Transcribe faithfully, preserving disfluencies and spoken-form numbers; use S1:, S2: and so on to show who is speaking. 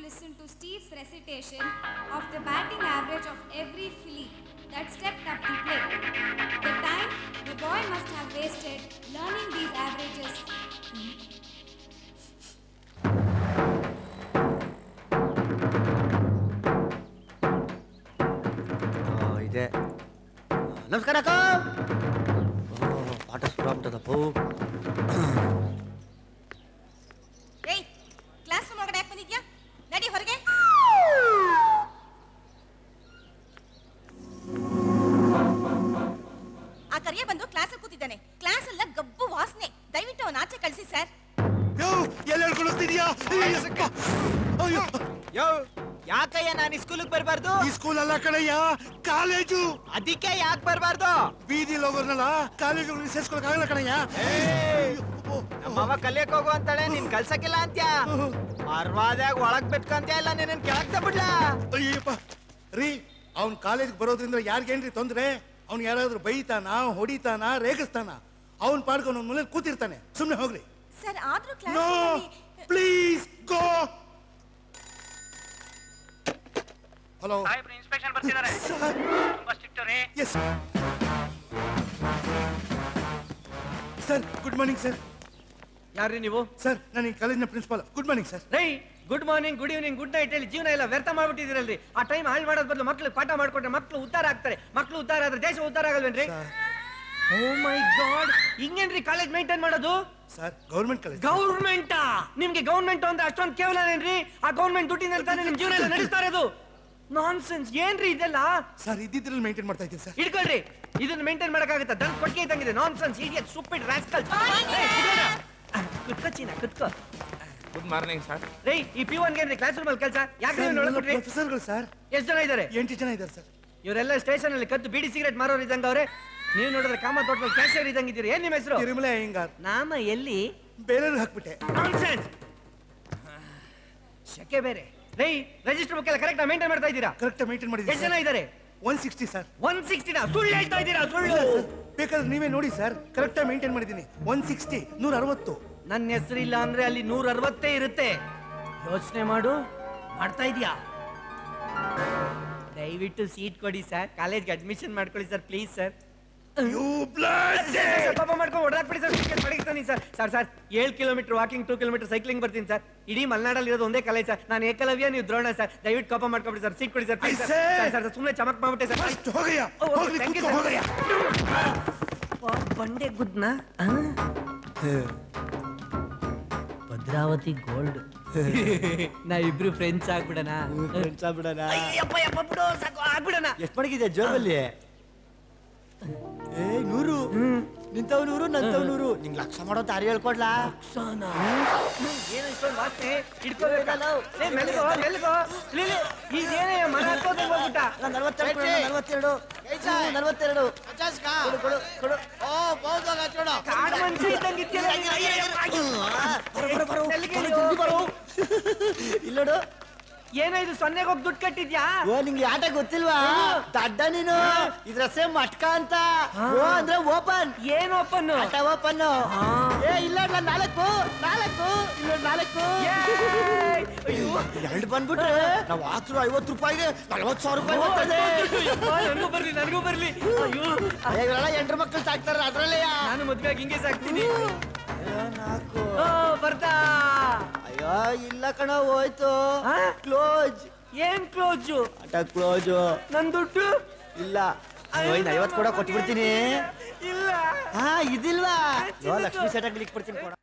S1: listen to Steve's recitation of the batting average of every filly that stepped up to play. The time the boy must have wasted learning these averages.
S2: Oh, ಇದೆ. ನಮಸ್ಕಾರ ಅಕ್ಕ. ಓ, ಪಾಠ ಶುರು ಆಗ್ಬಿಟ್ಟದಪ್ಪ.
S3: ಏಯ್, class room ಒಳಗಡೆ ಯಾಕೆ ಬಂದಿದ್ಯಾ? ನಡಿ ಹೊರಗೆ. ಆ ಕರಿಯ ಬಂದು ಕ್ಲಾಸಲ್ಲಿ ಕೂತಿದ್ದಾನೆ. ಕ್ಲಾಸ್ ಎಲ್ಲ ಗಬ್ಬು ವಾಸನೆ. ದಯವಿಟ್ಟು ಅವನ ಆಚೆ ಕಳಿಸಿ ಸರ್.
S4: ಯೋ, ಎಲ್ಲಿ ಹೇಳ್ಕೊಂಡು ಹೋಗ್ತಿದ್ಯಾ? ಅಯ್ಯೋ,
S5: ಯೋ, ಯಾಕಯ್ಯ ನಾನು ಸ್ಕೂಲಿಗೆ ಬರಬಾರ್ದು?
S4: ಈ ಸ್ಕೂಲ್ ಅಲ್ಲ ಕಣಯ್ಯ, ಕಾಲೇಜು.
S5: ಅದಕ್ಕೆ ಯಾಕೆ ಬರಬಾರ್ದು?
S4: ಬೀದಿಲಿ ಹೋಗೋರ್ನಲ್ಲ ಕಾಲೇಜು ಸೇರ್ಸ್ಕೊಳಕ್ ಆಗಲ್ಲ ಕಣಯ್ಯ.
S5: ನಮ್ಮವ್ವ ಕಲಿಯಕ್ ಹೋಗು ಅಂತಾಳೆ, ನೀನ್ ಕಲ್ಸಕ್ಕಿಲ್ಲ ಅಂತ್ಯಾ. ಪರ್ವಾದಾಗ ಒಳಗ್ ಬಿಟ್ಕಂತ್ಯ ಇಲ್ಲ, ನೀನ್ ಕೆಳಗ್ತ ಬಿಡ್ಲಾ?
S4: ಅಯ್ಯಪ್ಪ ರೀ, ಅವ್ನ್ ಕಾಲೇಜ್ಗೆ ಬರೋದ್ರಿಂದ ಯಾರಿಗೇನ್ರಿ ತೊಂದ್ರೆ? ಅವ್ನ್ ಯಾರಾದ್ರೂ ಬೈತಾನ, ಹೊಡಿತಾನ, ರೇಗಿಸ್ತಾನ? ಅವ್ನ್ ಪಾಡ್ಕೊಂಡು ಅವ್ನ ಮನೇಲಿ ಕೂತಿರ್ತಾನೆ. ಸುಮ್ನೆ ಹೋಗ್ರಿ.
S3: ಸರ್ ಆದ್ರೂ
S4: no
S3: class
S4: please go. Hello
S6: ಸಾಹೇಬ್ರು ಇನ್ಸ್ಪೆಕ್ಷನ್ ಬರ್ತಿದ್ದಾರೆ. ತುಂಬಾ ಸ್ಟ್ರಿಕ್ಟ್ ರೀ.
S4: Yes sir, good morning sir.
S7: ಯಾರ್ರಿ ನೀವು?
S4: ಸರ್, ನಾನು ಈ ಕಾಲೇಜಿನ principal. Good morning sir.
S7: Rai, good morning, good evening, good night ಹೇಳಿ ಜೀವನ ಎಲ್ಲ ವ್ಯರ್ಥ ಮಾಡ್ಬಿಟ್ಟಿದ್ದೀರಲ್ರಿ. ಆ ಟೈಮ್ ಹಾಳು ಮಾಡೋದ್ ಬದಲು ಮಕ್ಳಿಗೆ ಪಾಠ ಮಾಡ್ಕೊಟ್ರೆ ಮಕ್ಳು ಉದ್ಧಾರ ಆಗ್ತಾರೆ. ಮಕ್ಳು ಉದ್ಧಾರ ಆದ್ರೆ ದೇಶ ಉದ್ಧಾರ ಆಗಲ್ವೇನ್ರಿ? ಓ ಮೈ ಗಾಡ್, ಹಿಂಗೇನ್ರಿ ಕಾಲೇಜ್ ಮೇಂಟೈನ್ ಮಾಡೋದು?
S4: Sir, government college.
S7: ಗೌರ್ಮೆಂಟಾ? ನಿಮ್ಗೆ ಗೌರ್ಮೆಂಟ್ ಅಂದ್ರೆ ಅಷ್ಟೊಂದು ಕೇವಲನೇನ್ರಿ? ಆ ಗೌರ್ಮೆಂಟ್ ದುಡ್ಡಿನಲ್ಲಿ ತಾನೇ ನಿಮ್ ಜೀವನ ಎಲ್ಲ ನಡೆಸ್ತಾ ಇರೋದು. ನಾನ್ಸೆನ್ಸ್ ಏನ್ರಿ ಇದೆಲ್ಲ?
S4: ಸರ್, ಇದ್ದಿದ್ರಲ್ಲಿ ಮೇಂಟೈನ್ ಮಾಡ್ತಾ ಇದ್ದೀನಿ ಸರ್.
S7: ಇಟ್ಕೊಳ್ರಿ, ಇದನ್ನ ಮೇಂಟೈನ್ ಮಾಡಕ್ಕಾಗತ್ತಾ? ದನ್ ಕೊಟ್ಟಿಗೆ ಇದ್ದಂಗಿದೆ. Nonsense, idiot, stupid, rascal. ಕುತ್ಕೋ ಚೀನಾ, ಕುತ್ಕೋ.
S5: Good morning sir.
S7: ರೈ, ಈ ಪಿ ಒನ್ ಏನ್ರಿ ಕ್ಲಾಸ್ ರೂಮ್ ಅಲ್ಲಿ ಕೆಲಸ? ಯಾಕೆ ನೋಡ್ಬಿಟ್ರಿ?
S4: ಪ್ರೊಫೆಸರ್ಗಳು ಸರ್.
S7: ಎಷ್ಟು ಜನ ಇದ್ದಾರೆ?
S4: ಎಂಟು ಜನ ಇದ್ದಾರೆ ಸರ್.
S7: ಇವರೆಲ್ಲ ಸ್ಟೇಷನ್ ಅಲ್ಲಿ ಕದ್ದು ಬೀಡಿ ಸಿಗರೇಟ್ ಮಾರೋರು ಇದ್ದಂಗ ಅವ್ರೆ. ನೀವು ನೋಡಿದ್ರೆ ಕಾಮ ತೋಟದಲ್ಲಿ ಕ್ಯಾಶಿಯರ್ ಇದ್ದಂಗ ಇದ್ದೀರಿ. ಏನ್ ನಿಮ್ಮ ಹೆಸರು?
S4: ತಿರುಮಲ ಅಯ್ಯಂಗಾರ್.
S7: ನಾಮ ಎಲ್ಲಿ?
S4: ಬೇರೆಯವ್ರಿಗೆ ಹಾಕ್ಬಿಟ್ಟೆ.
S7: ನಾನ್ಸೆನ್ಸ್, ಶಕೆ ಬೇರೆ. ರೈ, ರಿಜಿಸ್ಟರ್ ಬುಕ್ ಎಲ್ಲ ಕರೆಕ್ಟ್ ಮೇಂಟೈನ್ ಮಾಡ್ತಾ ಇದ್ದೀರಾ?
S4: ಕರೆಕ್ಟ್ ಮೇಂಟೈನ್
S7: ಎಷ್ಟು ಜನ
S4: ಮಾಡಿದ್ದೀನಿ.
S7: ಇದ್ದಾರೆ?
S4: One sixty sir.
S7: ಒನ್ ಸಿಕ್ಸ್ಟಿನ ಸುಳ್ಳು ಹೇಳ್ತಾ ಇದ್ದೀರಾ? ಸುಳ್ಳು.
S4: ಬೇಕಾದ್ರೆ ನೀವೇ ನೋಡಿ ಸರ್, ಕರೆಕ್ಟ್ ಮೇಂಟೈನ್ ಮಾಡಿದ್ದೀನಿ. ಒನ್ ಸಿಕ್ಸ್ಟಿ, ನೂರ ಅರವತ್ತು.
S7: ನನ್ನ ಹೆಸರಿಲ್ಲ ಅಂದ್ರೆ ಅಲ್ಲಿ ನೂರ ಅರವತ್ತೇ ಇರುತ್ತೆ. ಯೋಚನೆ ಮಾಡು. ಮಾಡ್ತಾ ಇದೀಯಾ? ದಯವಿಟ್ಟು ಸೀಟ್ ಕೊಡಿ ಸರ್. ಕಾಲೇಜ್ಗೆ ಅಡ್ಮಿಷನ್ ಮಾಡ್ಕೊಳ್ಳಿ ಸರ್, ಪ್ಲೀಸ್ ಸರ್. ಪಾಪ ಮಾಡ್ಕೊಂಡು ಹೊಡೆದಾಕ್ಬಿಡಿ ಸರ್. ಟಿಕೆಟ್ ಪಡೀತಾನೆ ಸರ್. ಸರ್ ಸರ್ ಏಳು kilometre walking, two kilometre cycling ಬರ್ತೀನಿ ಸರ್. ಇಡೀ ಮಲೆನಾಡಲ್ಲಿ ಇರೋದು ಒಂದೇ ಕಾಲೇಜ್ ಸರ್. ನಾನು ಏಕಲವ್ಯ, ನೀವು ದ್ರೋಣ ಸರ್. ದಯವಿಟ್ಟು ಕೋಪ ಮಾಡ್ಕೊಬಿಡಿ ಸರ್. ಸೀಟ್ ಕೊಡಿ ಸರ್, ಪ್ಲೀಸ್ ಸರ್. ಸರ್ ಸುಮ್ಮನೆ ಚಮಕ್ ಮಾಡ್ಬಿಟ್ಟೆ ಸರ್. ಬಂಡೆ ಗುದ್ನ ಭದ್ರಾವತಿ ಗೋಲ್ಡ್. ನಾ ಇಬ್ರು ಫ್ರೆಂಡ್ಸ್ ಆಗ್ಬಿಡಣ.
S2: ಫ್ರೆಂಡ್ಸ್ ಆಗ್ಬಿಡಣ.
S7: ಅಯ್ಯಪ್ಪ ಯಪ್ಪ ಬಿಡು, ಸಾಕು ಆಗ್ಬಿಡಣ.
S2: ಎಷ್ಟು ಮಡಗಿದೆ ಜೋಬಲ್ಲಿ? ಏ ನೂರು. ನಿಂತವ್ ನೂರು, ನಂತವ್ ನೂರು. ನಿಂಗ್ ಲಕ್ಷ ಮಾಡೋ ದಾರಿ ಹೇಳ್ಕೊಡ್ಲಾ?
S7: ಏನು ಇಷ್ಟೊಂದು ವಾಸನೆ? ಹಿಡ್ಕೋಬೇಕಲ್ಲ. ಮೆಲ್ಗೋ ಮೆಲ್ಗೋ. ಇದೇನೇ ಮರ ಹತ್ತೋದಂಗ್ ಹೋಗ್ಬಿಟ್ಟ.
S2: ನಲ್ವತ್ತೆರಡು ನಲ್ವತ್ತೆರಡು ನಲ್ವತ್ತೆರಡು ಕೊಡು ಕೊಡು.
S7: ಕಾಡು ಮನುಷ್ಯ ಇದ್ದಂಗೆ ಇದ್ಯಲ್ಲ.
S2: ಇಲ್ಲೋಡು.
S7: ಏನೋ ಇದು ಸೊನ್ನೆಗೆ ಹೋಗಿ ದುಡ್ಡು ಕಟ್ಟಿದ್ಯಾ?
S2: ಓ, ನಿಂಗೆ ಆಟ ಗೊತ್ತಿಲ್ವಾ? ದಡ್ಡ ನೀನು. ಇದ್ರ ಸೇಮ್ ಮಟ್ಕ ಅಂತ. ಓ ಅಂದ್ರೆ ಓಪನ್.
S7: ಏನ್ ಓಪನ್?
S2: ಆಟ ಓಪನ್. ಏ ಇಲ್ಲ ನಾಲ್ಕು ನಾಲ್ಕು ಇಲ್ಲ ನಾಲ್ಕು. ಎರಡು ಬಂದ್ಬಿಟ್ರೆ ನಾವು ಹಾಕ್ರು ಐವತ್ತು ರೂಪಾಯಿಗೆ ನಲ್ವತ್ತು ಸಾವಿರ ರೂಪಾಯಿ ಬರ್ತದೆ.
S7: ನನಗೂ ಬರ್ಲಿ, ನನಗೂ ಬರ್ಲಿ. ಅಯ್ಯೋ,
S2: ಇವರೆಲ್ಲ ಎಂಟ್ರು ಮಕ್ಕಳು ಸಾಕ್ತಾರ ಅದ್ರಲ್ಲೇ.
S7: ನಾನು ಮದ್ವೆ ಹಿಂಗೆ ಸಾಕ್ತೀನಿ.
S2: ನಾಲ್ಕು.
S7: ಬರ್ತಾ?
S2: ಅಯ್ಯೋ ಇಲ್ಲ ಕಣ, ಹೋಯ್ತು. ಕ್ಲೋಸ್.
S7: ಏನ್ ಕ್ಲೋಜು?
S2: ಆಟ ಕ್ಲೋಜು.
S7: ನನ್ ದುಡ್ಡು
S2: ಇಲ್ಲ. ಐವತ್ತು ಕೂಡ ಕೊಟ್ಬಿಡ್ತೀನಿ.
S7: ಇಲ್ಲ.
S2: ಹಾ ಇದಿಲ್ವಾ? ಲಕ್ಷ್ಮೀ ಸೆಟ್ ಆಗ್ಲಿಕ್ಕೆ ಕೊಡ್ತೀನಿ ಕೊಡ.